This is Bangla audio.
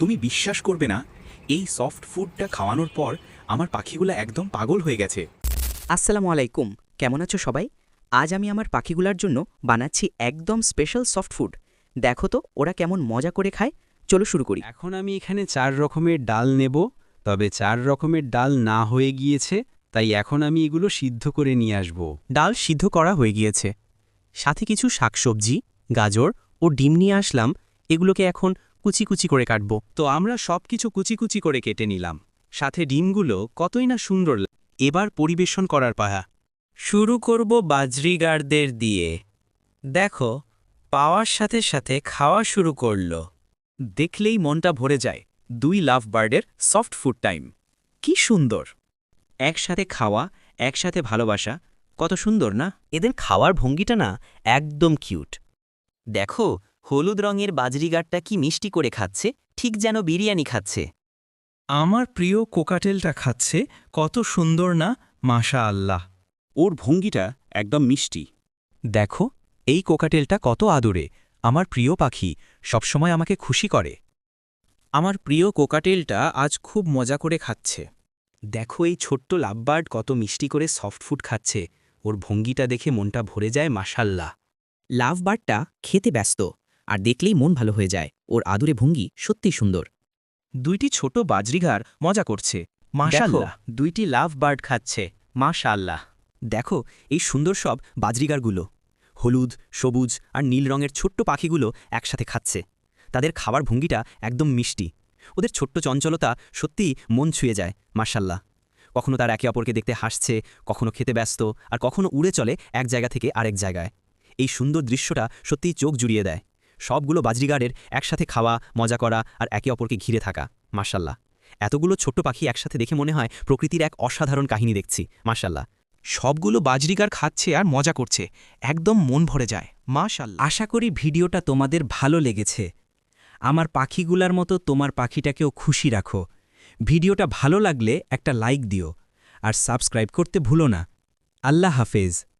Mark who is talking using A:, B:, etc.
A: তুমি বিশ্বাস করবে না, এই সফট ফুডটা খাওয়ানোর পর আমার পাখিগুলো একদম পাগল হয়ে গেছে।
B: আসসালামু আলাইকুম, কেমন আছো সবাই? আজ আমি আমার পাখিগুলার জন্য বানাচ্ছি একদম স্পেশাল সফট ফুড। দেখো তো ওরা কেমন মজা করে খায়। চলো শুরু করি।
C: এখন আমি এখানে 4 রকমের ডাল নেব, তবে 4 রকমের ডাল না হয়ে গিয়েছে, তাই এখন আমি এগুলো সিদ্ধ করে নিয়ে আসব।
D: ডাল সিদ্ধ করা হয়ে গিয়েছে, সাথে কিছু শাকসবজি, গাজর ও ডিম নিয়ে আসলাম। এগুলোকে এখন কুচি কুচি করে কাটব।
C: তো আমরা সবকিছু কুচি কুচি করে কেটে নিলাম, সাথে ডিমগুলো কতই না সুন্দর।
D: এবার পরিবেশন করার পালা।
E: শুরু করব বাজরিগারদের দিয়ে। দেখো, পাওয়ার সাথে সাথে খাওয়া শুরু করলো।
A: দেখলেই মনটা ভরে যায়। 2 লাভ বার্ডের সফট ফুড টাইম, কি সুন্দর।
B: একসাথে খাওয়া, একসাথে ভালোবাসা, কত সুন্দর না? এদের খাওয়ার ভঙ্গিটা না একদম কিউট। দেখো, হলুদ রঙের বাজরিগারটা কি মিষ্টি করে খাচ্ছে, ঠিক যেন বিরিয়ানি খাচ্ছে।
E: আমার প্রিয় কোকাটেলটা খাচ্ছে, কত সুন্দর না, মাশা আল্লাহ।
A: ওর ভঙ্গিটা একদম মিষ্টি।
D: দেখো, এই কোকাটেলটা কত আদরে, আমার প্রিয় পাখি, সবসময় আমাকে খুশি করে।
A: আমার প্রিয় কোকাটেলটা আজ খুব মজা করে খাচ্ছে। দেখো, এই ছোট্ট লাভবার্ড কত মিষ্টি করে সফট ফুড খাচ্ছে। ওর ভঙ্গিটা দেখে মনটা ভরে যায়, মাশাল্লাহ।
B: লাভ বার্ডটা খেতে ব্যস্ত, আর দেখলেই মন ভালো হয়ে যায়। ওর আদুরে ভঙ্গি সত্যিই সুন্দর।
A: 2টি ছোট বাজরিগার মজা করছে, মাশাল্লাহ। 2টি লাভ বার্ড খাচ্ছে, মাশাল্লাহ।
B: দেখো, এই সুন্দর সব বাজরিগারগুলো হলুদ, সবুজ আর নীল রঙের ছোট্ট পাখিগুলো একসাথে খাচ্ছে। তাদের খাবার ভঙ্গিটা একদম মিষ্টি। ওদের ছোট্ট চঞ্চলতা সত্যিই মন ছুঁয়ে যায়, মাশাল্লাহ। কখনো তার একে অপরকে দেখতে হাসছে, কখনো খেতে ব্যস্ত, আর কখনো উড়ে চলে এক জায়গা থেকে আরেক জায়গায়। এই সুন্দর দৃশ্যটা সত্যিই চোখ জুড়িয়ে দেয়। সবগুলো বাজরিগারের একসাথে খাওয়া, মজা করা আর একে অপরকে ঘিরে থাকা, মাশাল্লাহ। এতগুলো ছোট্ট পাখি একসাথে দেখে মনে হয় প্রকৃতির এক অসাধারণ কাহিনী দেখছি, মাশাল্লাহ।
D: সবগুলো বাজরিগার খাচ্ছে আর মজা করছে, একদম মন ভরে যায়, মাশাআল্লাহ।
E: আশা করি ভিডিওটা তোমাদের ভালো লেগেছে। আমার পাখিগুলার মতো তোমার পাখিটাকেও খুশি রাখো। ভিডিওটা ভালো লাগলে একটা লাইক দিও, আর সাবস্ক্রাইব করতে ভুলো না। আল্লাহ হাফেজ।